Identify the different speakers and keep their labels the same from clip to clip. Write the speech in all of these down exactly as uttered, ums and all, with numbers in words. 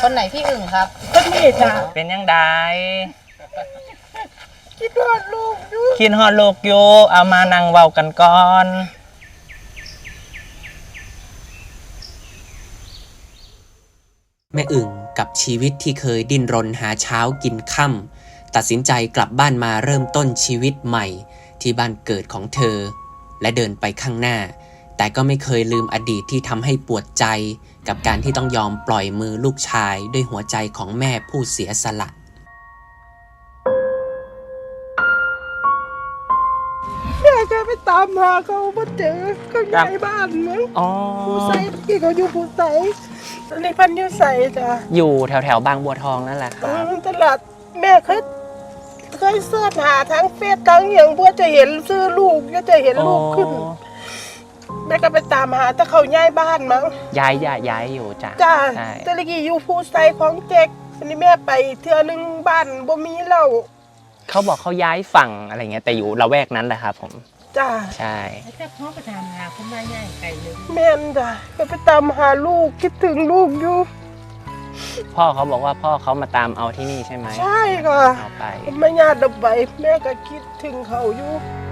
Speaker 1: คนไหนพี่อึ่งครับ
Speaker 2: คนนี้จ้ะ
Speaker 3: เป็นยังไง
Speaker 2: คิดฮอดลูกอยู่
Speaker 3: คิดฮอดลูกอยู่เอามานั่งเว้ากันก่อน
Speaker 4: แม่อึ่งกับชีวิตที่เคยดิ้นรนหาเช้ากินค่ำตัดสินใจกลับบ้านมาเริ่มต้นชีวิตใหม่ที่บ้านเกิดของเธอและเดินไปข้างหน้าแต่ก็ไม่เคยลืมอดีตที่ทำให้ปวดใจกับการที่ต้องยอมปล่อยมือลูกชายด้วยหัวใจของแม่ผู้เสียสละ
Speaker 2: แม่แกไปตามหาเขามาเจอเขาย้ายบ้านมั้งผู้ใส่ที่เขาอยู่ผู้ใส่ในพันยุใส่จ้ะ
Speaker 3: อยู่แถวแถวบางบัวทองนั่นแหละครับ
Speaker 2: ตลาดแม่เคยเคยเสิร์ชหาทั้งเฟซทั้งอย่างเพื่อจะเห็นซื้อลูกก็จะเห็นลูกขึ้นแม่ก็ไปตามหาแต่เขาย้ายบ้านมั้ง
Speaker 3: ย้ายย้ายย้ายอยู่จ้ะ
Speaker 2: จ้าแต่ละกี้อยู่ผู้ใส่ของเจ๊กอันนี้แม่ไปเทื่อนึงบ้านบ่มีเล่า
Speaker 3: เขาบอกเขาย้ายฝั่งอะไรเงี้ยแต่อยู่ละแวกนั้นแหละครับผม
Speaker 2: จ้า
Speaker 3: ใช่
Speaker 1: แต่พ่อไปตามหาคุณแม่ใหญ่ไกลเลย
Speaker 2: แม่นจ้ะก็ไปตามหาลูกคิดถึงลูกอยู่
Speaker 3: พ่อเขาบอกว่าพ่อเขามาตามเอาที่นี่ใช่ไหม
Speaker 2: ใช่ค่ะ
Speaker 3: เอาไป
Speaker 2: ไม่ญาติดับไปแม่ก็คิดถึงเขาอยู่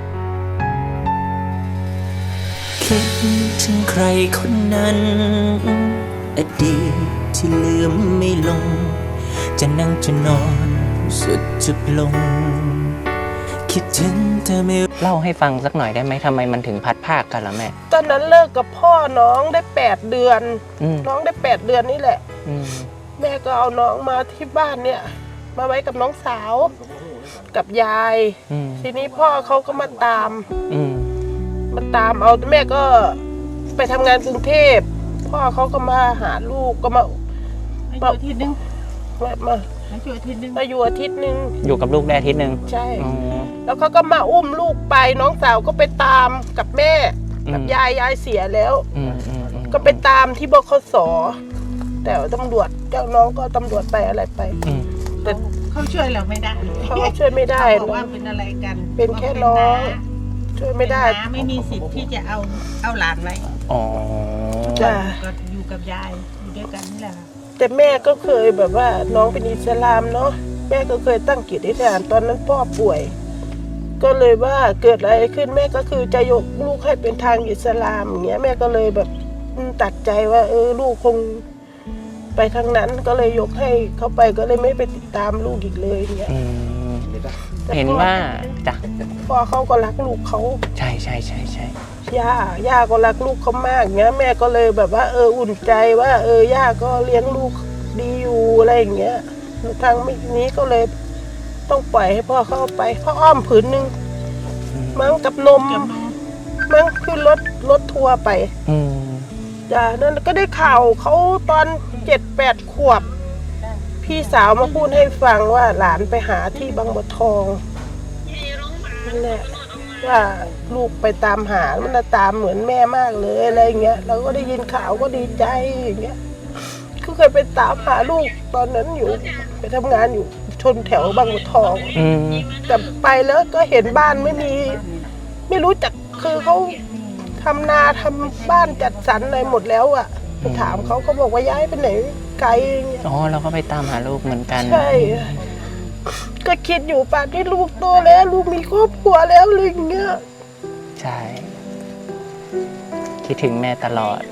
Speaker 4: คิดถึงใครคนนั้นอดีตที่ลืมไม่ลงจะนั่งจะนอนสุดจุดลงคิดถึงเธอไม่
Speaker 3: เล่าให้ฟังสักหน่อยได้ไหมทำไมมันถึงพัดภาคกันล่ะแม่
Speaker 2: ตอนนั้นเลิกกับพ่อน้องได้แปดเดือนน้องได้แปดเดือนนี่แหละแม่ก็เอาน้องมาที่บ้านเนี่ยมาไว้กับน้องสาวกับยายทีนี้พ่อเขาก็มาตามมาตามเอาแม่ก็ไปทำงานกรุงเทพพ่อเขาก็มาหาลูกก็มา
Speaker 1: มาอาทิตย์นึง
Speaker 2: มามา
Speaker 1: อยู่อาทิตย์นึง
Speaker 2: มาอยู่อาทิตย์นึง
Speaker 3: อยู่กับลูกได้อาทิตย์นึง
Speaker 2: ใช่แล้วเขาก็มาอุ้มลูกไปน้องสาวก็ไปตามกับแม่กับยายยายเสียแล้วก็ไปตามที่บขส.แต่ตำรวจเจ้าน้องก็ตำรวจไปอะไรไป
Speaker 1: แต่เขาช่วยเราไม่ได้
Speaker 2: เขาช่วยไม่ได้
Speaker 1: บอกว่าเป็นอะไรกัน
Speaker 2: เป็นแค่น้องช่วยไม่ได้
Speaker 1: ไม่มีสิทธิ์ที่จะเอาเอาหลานไว้
Speaker 3: อ๋อ
Speaker 2: จ้ะ
Speaker 1: ก็อยู่กับยายอยู่ด้วยกันนี่แหละ
Speaker 2: แต่แม่ก็เคยแบบว่าน้องเป็นอิสลามเนาะแม่ก็เคยตั้งจิตอธิษฐานตอนนั้นพ่อป่วยก็เลยว่าเกิดอะไรขึ้นแม่ก็คือจะยกลูกให้เป็นทางอิสลามอย่างเงี้ยแม่ก็เลยแบบตัดใจว่าเออลูกคงไปทางนั้นก็เลยยกให้เขาไปก็เลยไม่ไปติดตามลูกอีกเลยเงี้ย
Speaker 3: เห็นว่าจ้ะ
Speaker 2: พ่อเขาก็รักลูกเขา
Speaker 3: ใช่ใช่ใช่ใช่
Speaker 2: ย่าย่าก็รักลูกเขามากเงี้ยแม่ก็เลยแบบว่าเอออุ่นใจว่าเออย่าก็เลี้ยงลูกดีอยู่อะไรอย่างเงี้ยทางนี้ก็เลยต้องปล่อยให้พ่อเข้าไปพ่ออ้อมผืนนึงมั้งกับนมมั้งขึ้นรถรถทัวร์ไปจ้านั่นก็ได้ข่าวเขาตอนเจ็ดแปดขวบพี่สาวมาพูดให้ฟังว่าหลานไปหาที่บางบัวทองนั่นแหละว่าลูกไปตามหามันตามเหมือนแม่มากเลยอะไรเงี้ยเราก็ได้ยินข่าวก็ดีใจอย่างเงี้ยคือเคยไปตามหาลูกตอนนั้นอยู่ไปทำงานอยู่ชนแถวบางบัวทองแต่ไปแล้วก็เห็นบ้านไม่มีไม่รู้จักคือเขาทำนาทำบ้านจัดสรรอะไรหมดแล้วอ่ะไปถามเขาเขาบอกว่าย้ายไปไหนไกลอย่างเงี้ย
Speaker 3: อ๋อเราก็ไปตามหาลูกเหมือนกัน
Speaker 2: ใช่ก็คิดอยู่ป่านที่ลูกโตแล้วลูกมีครอบครัวแล้วอะไรอย่างเงี้ย
Speaker 3: ใช่คิดถึงแม่ตลอด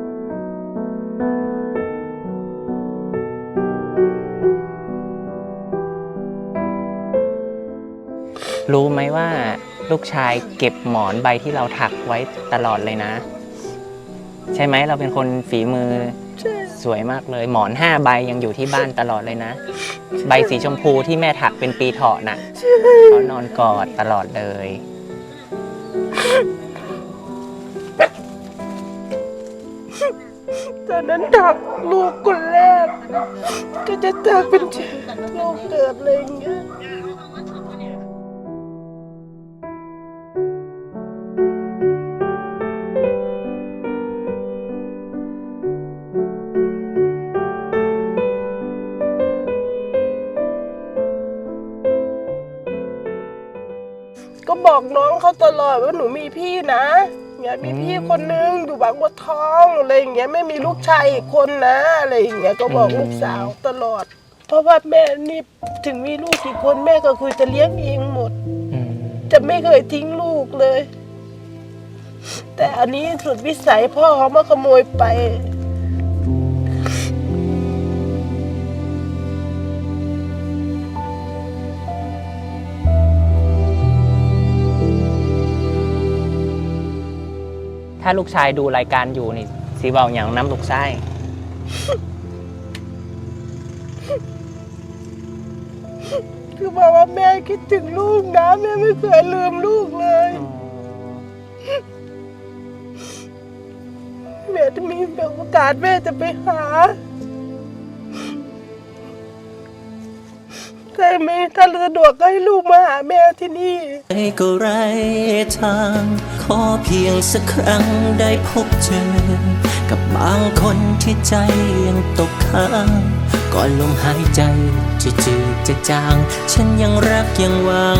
Speaker 3: รู้ไหมว่าลูกชายเก็บหมอนใบที่เราถักไว้ตลอดเลยนะใช่ไหมเราเป็นคนฝีมือสวยมากเลยหมอนห้าใบยังอยู่ที่บ้านตลอดเลยนะใบสีชมพูที่แม่ถักเป็นปีเถาะน่ะเขานอนกอดตลอดเลย
Speaker 2: ตอนนั้นถักลูกคนแรกก็จะถักเป็นลูกเกิดอะไรอย่างเงี้ยก็บอกน้องเขาตลอดว่าหนูมีพี่นะเนี่ยมีพี่คนนึงอยู่บางบัวทองอะไรอย่างเงี้ยไม่มีลูกชายอีกคนนะอะไรอย่างเงี้ยก็บอกลูกสาวตลอด เพราะว่าแม่นี่ถึงมีลูกกี่คนแม่ก็คือจะเลี้ยงเองหมด
Speaker 3: อืม
Speaker 2: จะไม่เคยทิ้งลูกเลย แต่อันนี้สุดวิสัยพ่อเขามาขโมยไป
Speaker 3: ถ้าลูกชายดูรายการอยู่นี่สีเบาอย่างน้ำลูกไส้
Speaker 2: คือบอกว่าแม่คิดถึงลูกนะแม่ไม่เคยลืมลูกเลย แม่จะมีโอกาสแม่จะไปหาใช่ไหมถ้าสะดวกก็ให้ลูกมาหาแม่ที่นี่
Speaker 5: ก็ไร้ทาง ขอเพียงสักครั้งได้พบเจอ กับบางคนที่ใจยังตกค้างก่อนลมหายใจจะจืดจะจาง ฉันยังรักยังหวัง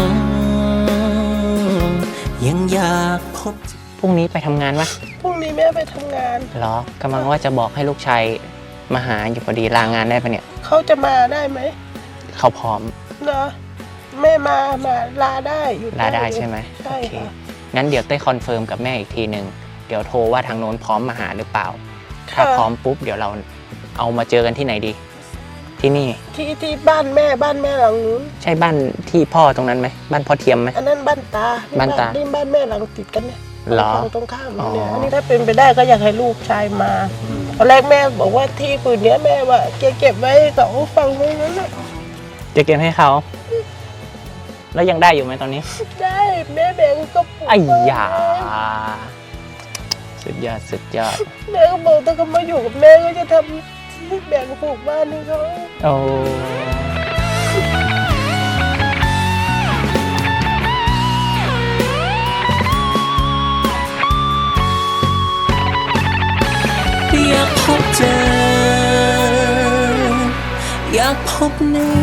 Speaker 5: ยังอยากพบ
Speaker 3: พรุ่งนี้ไปทำงานวะ
Speaker 2: พรุ่งนี้แม่ไปทำงาน
Speaker 3: เหรอกำลังว่าจะบอกให้ลูกชายมาหาอยู่พอดีลางานได้ปะเนี่ย
Speaker 2: เขาจะมาได้ไหม
Speaker 3: เขาพร้อม
Speaker 2: เหรอแม่มามาลาได้อยู่
Speaker 3: ลาได้ใช่ไหม
Speaker 2: ใช่
Speaker 3: โอเค
Speaker 2: ค่ะ
Speaker 3: งั้นเดี๋ยวเต้ยคอนเฟิร์มกับแม่อีกทีหนึ่งเดี๋ยวโทรว่าทางโน้นพร้อมมาหาหรือเปล่า ถ้าพร้อมปุ๊บเดี๋ยวเราเอามาเจอกันที่ไหนดี ที่นี่
Speaker 2: ที่ที่บ้านแม่บ้านแม่หลังนู้น
Speaker 3: ใช่บ้านที่พ่อตรงนั้นไหมบ้านพ่อเทียมไหม
Speaker 2: อันนั้นบ้านตา
Speaker 3: บ้านตา
Speaker 2: นี่บ้านแม่หลังติดกันเนี่ย
Speaker 3: เหรอ
Speaker 2: ฝั่งตรงข้ามเนี่ย
Speaker 3: อ๋ออั
Speaker 2: อันนี้ถ้าเป็นไปได้ก็อยากให้ลูกชายมาตอนแรกแม่บอกว่าที่ปืนเนี้ยแม่ว่าเก็บเก็บไว้เขาฟังไว้นั้นน่ะ
Speaker 3: จะเก็บให้เขา แล้วยังได้อยู่ไหมตอนนี้
Speaker 2: ได้แม่แบ่งก็ปลูก
Speaker 3: ไอ้ยาสุดยอดสุดยอด
Speaker 2: แม่ก็บอกถ้าเขามาอยู่กับแม่ก็จะทำที่แบ่งปลูกบ้านให้เขา
Speaker 3: โอ้
Speaker 5: อยากพบเจอ อยากพบหน้า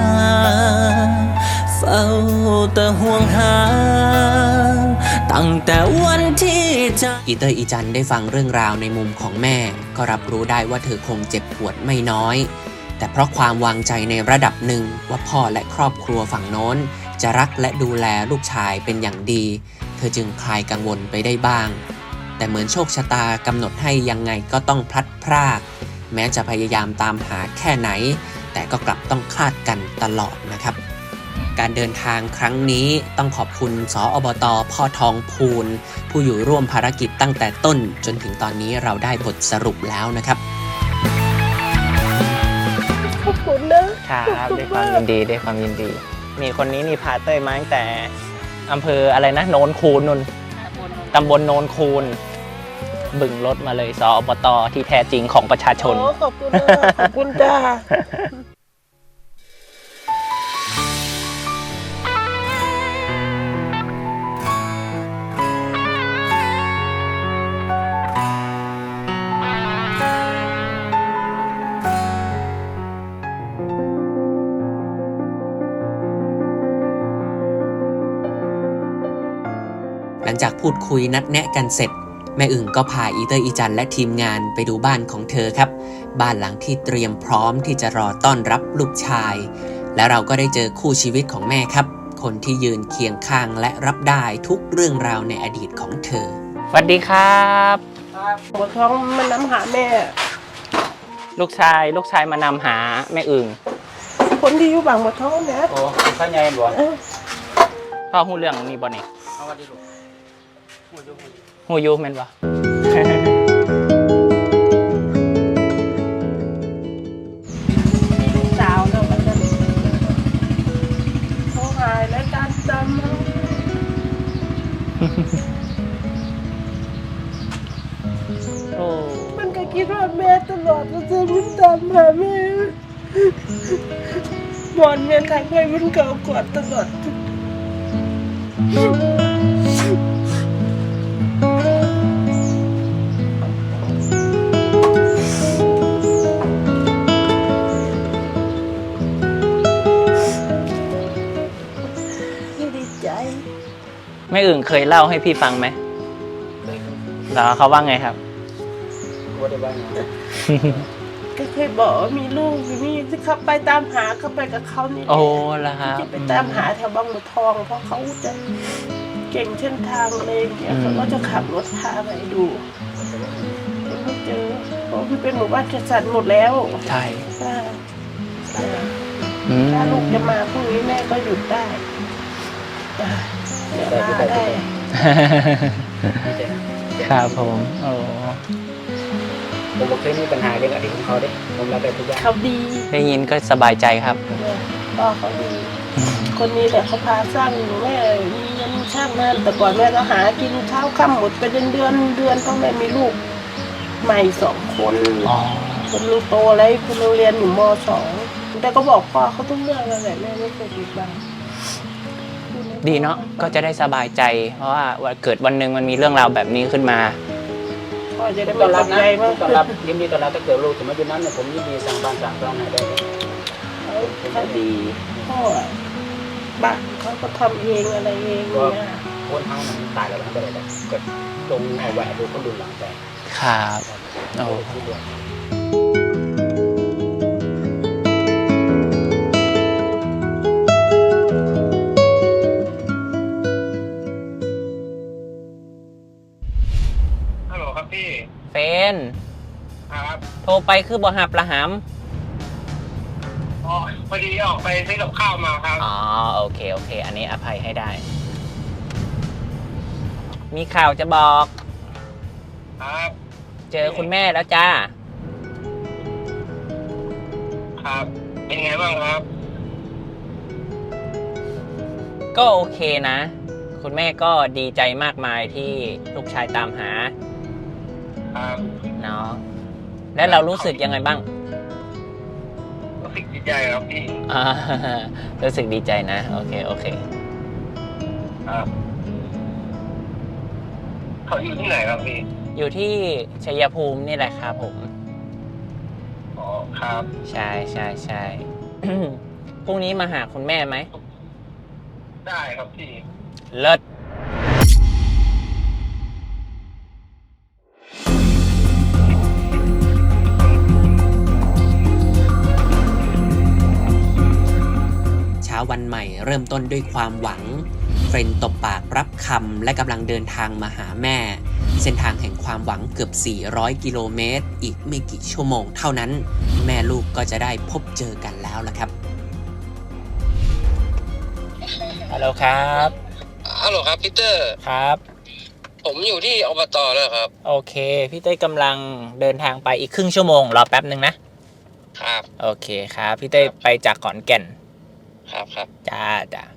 Speaker 5: เฝ้าแต่ห่วงหา ตั้งแต่วันที่จะ
Speaker 4: อีเตอร์อีจันได้ฟังเรื่องราวในมุมของแม่ ก็รับรู้ได้ว่าเธอคงเจ็บปวดไม่น้อย แต่เพราะความวางใจในระดับหนึ่งว่าพ่อและครอบครัวฝั่งโน้น จะรักและดูแลลูกชายเป็นอย่างดี เธอจึงคลายกังวลไปได้บ้าง แต่เหมือนโชคชะตากำหนดให้ยังไงก็ต้องพลัดพราก แม้จะพยายามตามหาแค่ไหน แต่ก็กลับต้องคลาดกันตลอดนะครับ การเดินทางครั้งนี้ต้องขอบคุณสอ อบต.พ่อทองพูน ผู้อยู่ร่วมภารกิจตั้งแต่ต้นจนถึงตอนนี้เราได้บทสรุปแล้วนะครับ
Speaker 2: ขอบคุณนะครับ ขอบ
Speaker 3: ด้วย
Speaker 2: ณ
Speaker 3: ความยินดีด้วยความยินดี มีคนนี้นี่พาเต้ยมาตั้งแต่อำเภออะไรนะโนนคูนนนตำบลโนนคูน บึงรถมาเลยสอ อบต.ที่แท้จริงของประชาชน
Speaker 2: โอ้ขอบคุณนะขอบคุณจ้า
Speaker 4: หลังจากพูดคุยนัดแนะกันเสร็จ แม่อึ่งก็พาอีเตอร์อีจันและทีมงานไปดูบ้านของเธอครับ บ้านหลังที่เตรียมพร้อมที่จะรอต้อนรับลูกชาย และเราก็ได้เจอคู่ชีวิตของแม่ครับ คนที่ยืนเคียงข้างและรับได้ทุกเรื่องราวในอดีตของเธอ
Speaker 3: สวัสดีครับ
Speaker 2: หมดท้องมันน้ำหาแม่
Speaker 3: ลูกชายลูกชายมานำหาแม่อึ่ง
Speaker 2: คนที่อยู่บางหมดท้องเนี่ย
Speaker 3: โอ้ข้าใหญ่บ่
Speaker 2: เออ
Speaker 3: พ่อหูเรื่องนี้บ่เนี่ยหูยูแม่นบ่
Speaker 2: ลูกสาวเนาะมันจะเขาหายและการจำเนาะ
Speaker 3: โอ้
Speaker 2: มันก็คิดว่าแม่ตลอดมันจะมันตามหาแม่หมอนแม่ทางไปมันเก่ากอดตลอด ดีใจ
Speaker 3: แม่อึ่งเคยเล่าให้พี่ฟังไหมแล้วเขาว่าไงครับ
Speaker 6: ว่าได้บ้าง
Speaker 2: ก็เคยบอกว่ามีลูกอยู่นี่ที่เขาไปตามหาเขาไปกับเขานี่
Speaker 3: โอ้แล้วครับ
Speaker 2: จะไปตามหาแถวบางบัวทอง เพราะเขาจะเก่งเส้นทางอะไรอย่างเงี้ยเขาก็จะขับรถพาไปดูแต่ไม่เจอเพราะมันเป็นหมู่บ้านจัดสรรหมดแล้ว
Speaker 3: ใช่
Speaker 2: ค่ะ
Speaker 3: อืม
Speaker 2: ถ้าลูกจะมาพรุ่งนี้แม่ก็หยุดได้จ้ะเดี๋ยวลาได้
Speaker 3: ครับผมโอ้
Speaker 6: ผมบอกเคยมีปัญหาเรื่องอะไรของเขาเด้ผมรับได้ทุกอย่าง
Speaker 2: เขาดี
Speaker 3: ได้ยินก็สบายใจครับ
Speaker 2: พ่อเขาดี คนนี้แหละเขาพาสร้างอยู่แม่มีเงินช่างนั่นแต่ก่อนแม่ก็หากินเช้าค่ำหมดไปเดือนเดือนเดือนต้องแม่มีลูกใหม่สองคน
Speaker 3: อ๋อ
Speaker 2: คนนึงโตแล้วคนนึงเรียนอยู่มสองแต่ก็บอกพ่อเขาทุกเรื่องนั่นแหละแม่ไม่เคยปิดบัง
Speaker 3: ดีเนาะก็จะได้สบายใจ เพราะว่าวันเกิดวันหนึ่งมันมีเรื่องราวแบบนี้ขึ้นมา
Speaker 2: พ่อจะได้
Speaker 6: ต้
Speaker 2: ไม่
Speaker 6: อน
Speaker 2: ต
Speaker 6: รับ
Speaker 2: ก
Speaker 6: นะ
Speaker 2: ใจมาก
Speaker 6: ต้อนรับยินดีต้อนรับถ้าเกิดลูกถึงมาอยู่นั้นเนี่ยผมยินดีสั่งบ้านสั่งช่องให้ได้เลย
Speaker 2: เขาเขาดีพ่อบ้านเขาก็ทำเองอะไรเองเนี่ย
Speaker 6: คนเฮามันตายแล้วมันก็ได้แต่เกิดตรงเอาแหวนดูคนดูหลังไป
Speaker 3: ครับโอ้
Speaker 6: ที่ด้วย
Speaker 7: ฮัลโหลครับพี่
Speaker 3: เฟน
Speaker 7: ครับ
Speaker 3: โทรไปคือบ่หับละห
Speaker 7: อ๋อพอดีออกไปซื้อกับข้าวมาครับ
Speaker 3: ำอ๋อโอเคโอเค อันนี้อภัยให้ได้ มีข่าวจะบอก
Speaker 7: ครับ
Speaker 3: เจอคุณแม่แล้วจ้า
Speaker 7: ครับ เป็นไงบ้างครับ
Speaker 3: ก็โอเคนะ คุณแม่ก็ดีใจมากมายที่ลูกชายตามหา
Speaker 7: ครับ
Speaker 3: เนาะแล้วเรารู้สึกยังไงบ้าง
Speaker 7: รู้สึกดีใจครับพี่
Speaker 3: อ่า รู้สึกดีใจนะ โอเคโอเค
Speaker 7: ครับเขาอยู่ที่ไหนครับพี่
Speaker 3: อยู่ที่ชัยภูมินี่แหละครับผม
Speaker 7: อ๋อครับ
Speaker 3: ใช่ใช่ใช่ พรุ่งนี้มาหาคุณแม่ไหม
Speaker 7: ได้ครับพี่
Speaker 3: เลิศ
Speaker 4: เช้าวันใหม่เริ่มต้นด้วยความหวัง เฟรนตบปากรับคำและกำลังเดินทางมาหาแม่ เส้นทางแห่งความหวังเกือบ สี่ร้อย กิโลเมตร อีกไม่กี่ชั่วโมงเท่านั้น แม่ลูกก็จะได้พบเจอกันแล้วล่ะครับ
Speaker 3: ฮัลโหลครับ
Speaker 7: ฮัลโหลครับพีเตอร์
Speaker 3: ครับ
Speaker 7: ผมอยู่ที่อบตแล้วครับ
Speaker 3: โอเค พี่เต้ยกำลังเดินทางไปอีกครึ่งชั่วโมง รอแป๊บหนึ่งนะ
Speaker 7: ครับ
Speaker 3: โอเคครับ พี่เต้ยไปจากขอนแก่น
Speaker 7: ครับครับ
Speaker 3: จ้าจ้า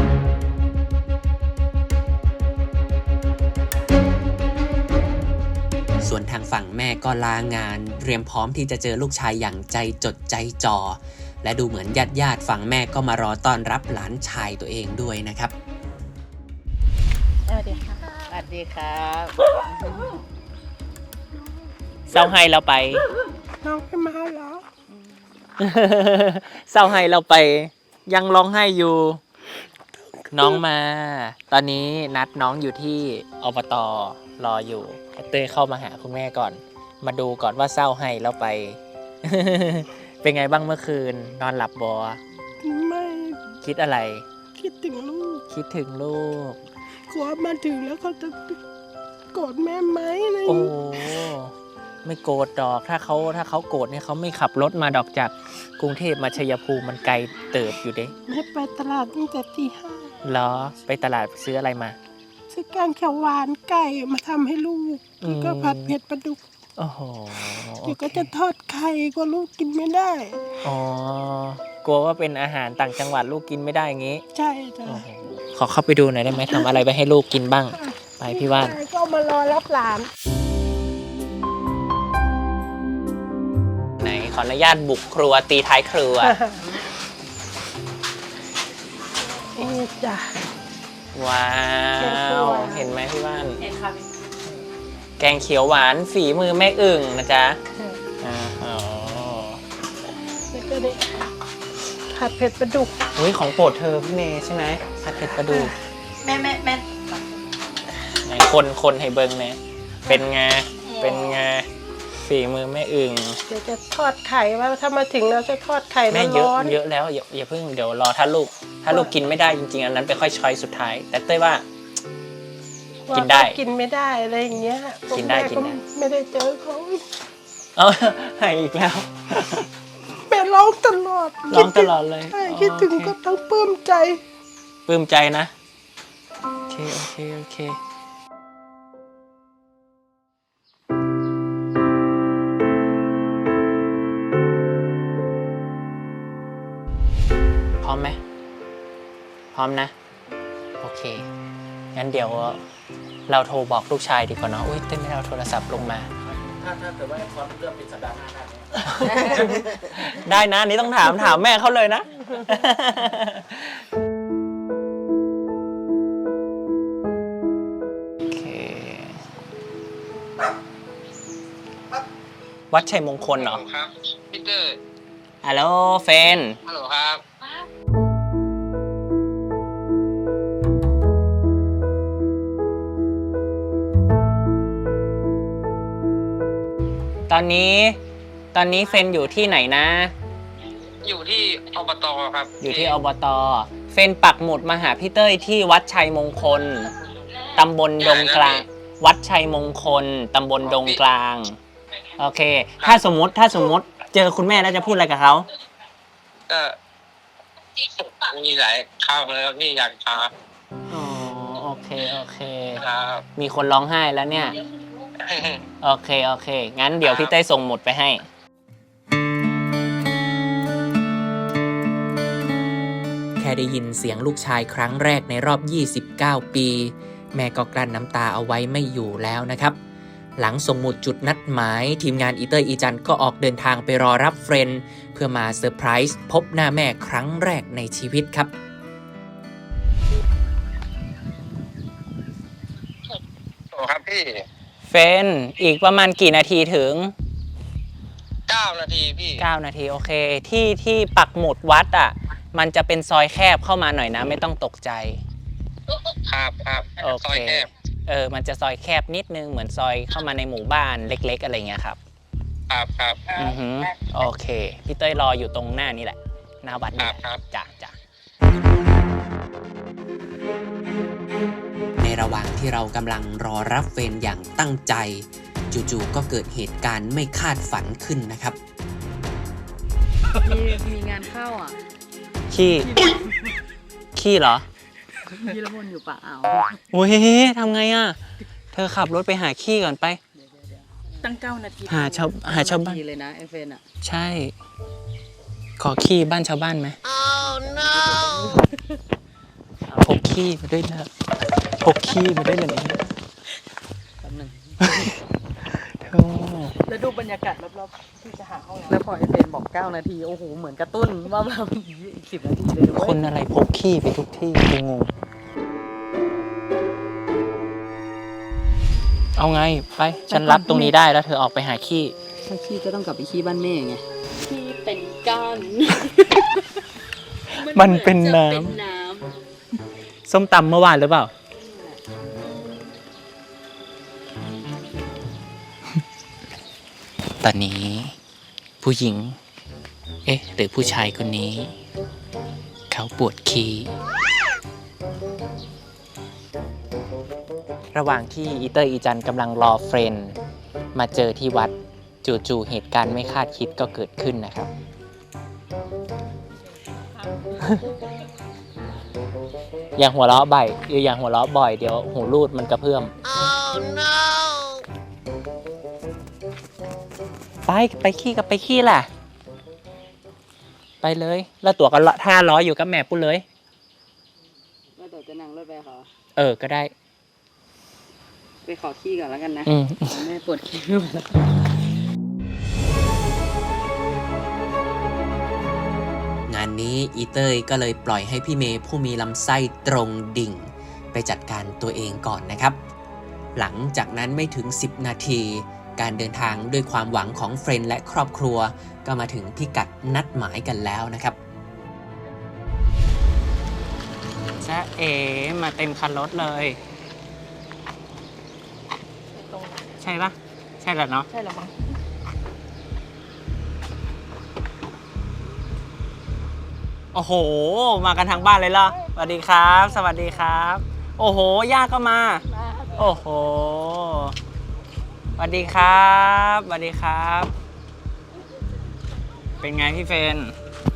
Speaker 4: ส่วนทางฝั่งแม่ก็ลางานเตรียมพร้อมที่จะเจอลูกชายอย่างใจจดใจจ่อและดูเหมือนญาติญาติฝั่งแม่ก็มารอต้อนรับหลานชายตัวเองด้วยนะครับ
Speaker 1: สวัสดีค่ะสวัสดีครับ
Speaker 3: เศร้าให้เราไป
Speaker 2: น้องไม่มาเหรอ
Speaker 3: เศร้าให้เราไป ยังร้องไห้อยู่ น้องมา ตอนนี้นัดน้องอยู่ที่อบตรออยู่เต้ยเข้ามาหาคุณแม่ก่อน มาดูก่อนว่าเศร้าให้เราไป เป็นไงบ้างเมื่อคืน นอนหลับบอ
Speaker 2: ไม่
Speaker 3: คิดอะไร
Speaker 2: คิดถึงลูก
Speaker 3: คิดถึงลูก
Speaker 2: กลัวมาถึงแล้วเขาจะโกรธแม่ไหมอะไรอย่าง
Speaker 3: โอ้
Speaker 2: เงี้ย
Speaker 3: ไม่โกรธดอก ถ้าเขาถ้าเขาโกรธเนี่ยเขาไม่ขับรถมาดอกจากกรุงเทพมาชัยภูมิมันไกลเติบอยู่เด้
Speaker 2: แม่ไปตลาดตั้งแต่ตีห้า
Speaker 3: เหรอ ไปตลาดซื้ออะไรมา
Speaker 2: ซื้อแกงเขียวหวานไก่มาทำให้ลูก
Speaker 3: อืม
Speaker 2: แล้วก็ผัดเผ็ดปลาดุก
Speaker 3: โอ้โห
Speaker 2: เดี๋ยวก็
Speaker 3: โอเค
Speaker 2: จะทอดไข่กลัวลูกกินไม่ได้
Speaker 3: อ๋อ กลัวว่าเป็นอาหารต่างจังหวัดลูกกินไม่ได้อย่างงี้
Speaker 2: ใช่จ้ะ
Speaker 3: โอ้โหขอเข้าไปดูหน่อยได้ไหมทำอะไรไปให้ลูกกินบ้าง ไปพี่ว่าน
Speaker 2: ก็มารอรับหลาน
Speaker 3: ไหนขออนุญาตบุกครัวตีท้ายครัว
Speaker 2: เอ๊ะจ้ะ
Speaker 3: ว้า
Speaker 2: แกงเขียว
Speaker 3: ว
Speaker 2: หวาน
Speaker 3: เห็นไหมพี่ว่าน แกงเขียวหวานฝีมือแม่อึ่งนะจ๊ะอ๋อ
Speaker 2: แล้วก็ได้ผัดเผ็ดปลาดุก
Speaker 3: อุ้ยของโปรดเธอพี่เมย์ใช่ไหมผัดเผ็ดปลาดุก
Speaker 1: แม่แม่แม่
Speaker 3: ไหนคนคนให้เบิ้งเนี่ยเป็นไงเป็นไงฝีมือแม่อึ่ง
Speaker 2: เดี๋ยวจะทอดไข่ว่าถ้ามาถึงเราจะทอดไข่
Speaker 3: แม่เยอะ
Speaker 2: ร้อนๆ
Speaker 3: เยอะแล้วอย่าอย่าเพิ่งเดี๋ยวรอถ้าลูก ถ้าลูกกินไม่ได้จริงๆอันนั้นไปค่อยช้อยสุดท้าย แต่เต้ยว่า กินได้
Speaker 2: ว่าเขากินไม่ได้อะไรอย่างเงี้ย
Speaker 3: กินได้
Speaker 2: แม่
Speaker 3: กินได้
Speaker 2: ไม่ได้เจอเขา
Speaker 3: เออให้อีกแล้ว
Speaker 2: แม่ร้องตลอด
Speaker 3: ร้องตลอดเลย
Speaker 2: ใช่คิดถึง
Speaker 3: โอเค
Speaker 2: ก็ทั้งปลื้มใจ
Speaker 3: ปลื้มใจนะโอเคโอเคโอเคพร้อมไหมพร้อมนะ โอเค งั้นเดี๋ยวเราโทรบอกลูกชายดีกว่าเนาะอุ้ยเต้นไม่ได้เอาโทรศัพท์ลงมา
Speaker 6: ถ้าถ้าเกิดว่าพร้อมเริ่มเป็นสัปดาห์หน้าได้ไหม
Speaker 3: ได้นะอันนี่ต้องถามถามแม่เขาเลยนะ โอเค วัดชัยมงคลเหรอ
Speaker 7: ครับพีเตอร์
Speaker 3: ฮัลโหลเฟน
Speaker 7: ฮัลโหลครับ
Speaker 3: ตอนนี้ ตอนนี้เฟนอยู่ที่ไหนนะ
Speaker 7: อยู่ที่อบตครับ
Speaker 3: อยู่ที่อบต เฟนปักหมุดมาหาพี่เต้ยที่วัดชัยมงคล ตำบลดงกลาง วัดชัยมงคล ตำบลดงกลาง โอเค ถ้าสมมุติ ถ้าสมมุติเจอคุณแม่แล้วจะพูดอะไรกับเขา
Speaker 7: ก็มีหลายข้าวเลยครับที่อยากพา
Speaker 3: อ๋อ โอเค โอเค
Speaker 7: ครับ
Speaker 3: มีคนร้องไห้แล้วเนี่ย โอเค โอเค งั้นเดี๋ยวพี่เต้ยส่งหมุดไปให้
Speaker 4: แค่ได้ยินเสียงลูกชายครั้งแรกในรอบ ยี่สิบเก้า ปี แม่ก็กลั้นน้ำตาเอาไว้ไม่อยู่แล้วนะครับ หลังส่งหมุดจุดนัดหมายทีมงานอีเตอร์อีจันก็ออกเดินทางไปรอรับเฟรนด์เพื่อมาเซอร์ไพรส์พบหน้าแม่ครั้งแรกในชีวิตครับ
Speaker 7: โอ้ครับพี่
Speaker 3: เฟน อีกประมาณกี่นาทีถึง
Speaker 7: เก้านาทีพี่
Speaker 3: เก้านาที โอเค ที่ที่ปักหมุดวัดอ่ะ มันจะเป็นซอยแคบเข้ามาหน่อยนะ ไม่ต้องตกใจ
Speaker 7: ครับครับ
Speaker 3: โอ
Speaker 7: ซอย
Speaker 3: เค
Speaker 7: แคบ
Speaker 3: เออ มันจะซอยแคบนิดนึง เหมือนซอยเข้ามาในหมู่บ้านเล็ก ๆ อะไรเงี้ยครับ
Speaker 7: ครับครับ
Speaker 3: อือหือโอเค พี่เต้ยรออยู่ตรงหน้านี่แหละ หน้าวัดนี่แหละ
Speaker 7: ครับ
Speaker 3: จ้ะจ้ะ
Speaker 4: ในระหว่างที่เรากำลังรอรับเฟรนด์อย่างตั้งใจ จู่ๆก็เกิดเหตุการณ์ไม่คาดฝันขึ้นนะครับ
Speaker 1: มีมีงานเข้าอ่ะ
Speaker 3: ขี้ ขี้เหรอ
Speaker 1: พี่ละมุนอยู่ป่าอ่าว
Speaker 3: โอ้ยทำไงอ่ะ เธอขับรถไปหาขี้ก่อนไป
Speaker 1: ตั้งเก้านาที
Speaker 3: หาชาวหาชาวบ้าน
Speaker 1: ทีเลยนะเอฟเนอ่ะ
Speaker 3: ใช่ ขอขี้บ้านชาวบ้านไหม
Speaker 1: oh no
Speaker 3: พกขี้มาด้วยนะพกขี้มาด้วยเลยนะ
Speaker 1: แป๊บนึง
Speaker 3: เธอ
Speaker 1: แล้วดูบรรยากาศรอบๆที่จะหาห้องน้ำแล้วพอเอฟเนบอกเก้านาที โอ้โห เหมือนกระตุ้นว่าแบบอีกสิบนาทีเลยนะ
Speaker 3: ค
Speaker 1: เว้ย
Speaker 3: นอะไรพกขี้ไปทุกที่กูงง เอาไง ไป ฉันรับตรงนี้ได้แล้วเธอออกไปหาขี้
Speaker 1: ถ้าขี้ก็ต้องกลับไปขี้บ้านแม่ไงขี้เป็นก้อน
Speaker 3: มันเป็นน้
Speaker 1: เป็นน้
Speaker 3: ำส้มตำเมื่อวานหรือเปล่า ตอนนี้ผู้หญิง เอ๊ะ หรือผู้ชายคนนี้ เขาปวดขี้ ระหว่างที่อีเตอร์อีจันกำลังรอเฟรนด์มาเจอที่วัดจู่ๆเหตุการณ์ไม่คาดคิดก็เกิดขึ้นนะครับ อย่างหัวเราะบ่อยอย่างหัวเราะบ่อยเดี๋ยวหูรูดมันกระเพื่อม
Speaker 1: oh no
Speaker 3: ไปไปขี้กับไปขี้แหละไปเลย แล้วตัวก็ท่าล้ออยู่กับแม่ปุ้นเลย
Speaker 1: แล้วเดี๋ยวจะนั่งรถไปขอ
Speaker 3: เออก็ได้
Speaker 1: ไปขอขี้ก่อนแล้วกันนะ
Speaker 3: อืม
Speaker 1: แม่ปวดขี้ไม่ไหวแล้ว
Speaker 4: งานนี้อีเตยก็เลยปล่อยให้พี่เมย์ผู้มีลำไส้ตรงดิ่ง ไปจัดการตัวเองก่อนนะครับ หลังจากนั้นไม่ถึง สิบ นาที การเดินทางด้วยความหวังของเฟรนด์และครอบครัว ก็มาถึงพิกัดนัดหมายกันแล้วนะครับ
Speaker 3: จ๊ะเอ๋มาเต็มคันรถเลย
Speaker 2: ใ
Speaker 3: ใช่ปะใช่แหละเนาะ
Speaker 1: ใช่แล้วมั้ง
Speaker 3: โอ้โห มากันทั้งบ้านเลยเหรอสวัสดีครับ สวัสดีครับ โอ้โห ย่าก็มา โอ้โห สวัสดีครับสวัสดีครับ เป็นไงพี่เฟรน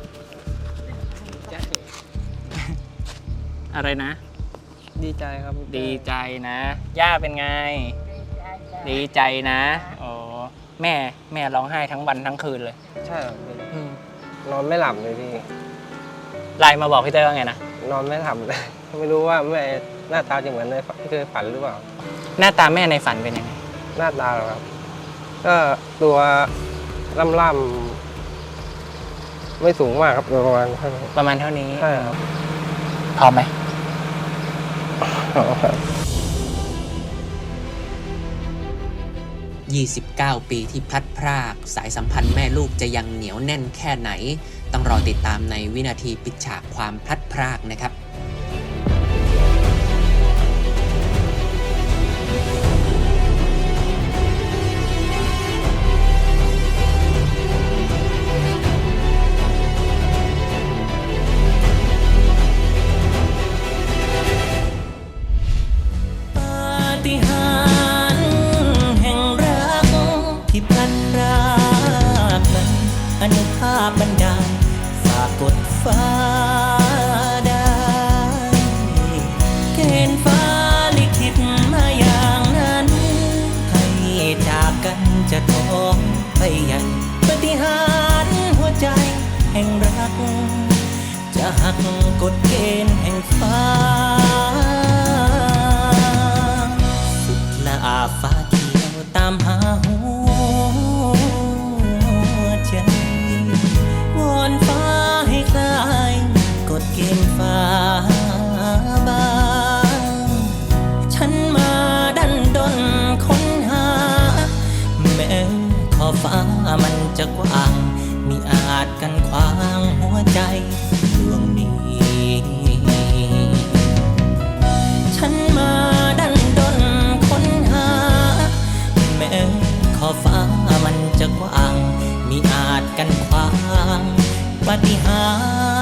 Speaker 3: อะไรนะ
Speaker 6: ดีใจครับ
Speaker 3: ดีใจนะ ย่าเป็นไง ดีใจนะโอ้แม่แม่ร้องไห้ทั้งวันทั้งคืนเลย
Speaker 6: ใช่ครับพี่
Speaker 3: อืม
Speaker 6: นอนไม่หลับเลยพี่
Speaker 3: ไลน์มาบอกพี่เต้ยว่าไงนะ
Speaker 6: นอนไม่หลับเลย ไม่รู้ว่าแม่หน้าตาจะเหมือนในฝันที่เคยฝันหรือเปล่า
Speaker 3: หน้าตาแม่ในฝันเป็นยังไง
Speaker 6: หน้าตาเหรอครับ ก็ตัวล่ำๆไม่สูงมากครับประมาณเท่านี้
Speaker 3: ประมาณเท่านี้
Speaker 6: ใช่ครับ
Speaker 3: พร้อมไหม
Speaker 4: ยี่สิบเก้า ปีที่พลัดพรากสายสัมพันธ์แม่ลูกจะยังเหนียวแน่นแค่ไหน ต้องรอติดตามในวินาทีปิดฉากความพลัดพรากนะครับ
Speaker 5: ปาฏิหาริย์แห่งรักที่พลันพรากนั้นอนุภาพบันดาลฝากกดฟ้าได้เกณฑ์ฟ้าลิขิตมาอย่างนั้น ให้จากกันจะท้องไปใหญ่ปาฏิหาริย์หัวใจแห่งรัก จะหักกฎเกณฑ์แห่งฟ้า สุดละอาฟ้าเขียวตามหาหัวใจวอนฟ้าให้คลายกฎเกณฑ์ฟ้าบางฉันมาดันดนค้นหา แม้ขอบฟ้ามันจะกว้างมิอาจกันขวางหัวใจดวงนี้ ฉันมาดันดนค้นหา แม้ขอบฟ้ามันจะกว้างมิอาจกันขวางปาฏิหา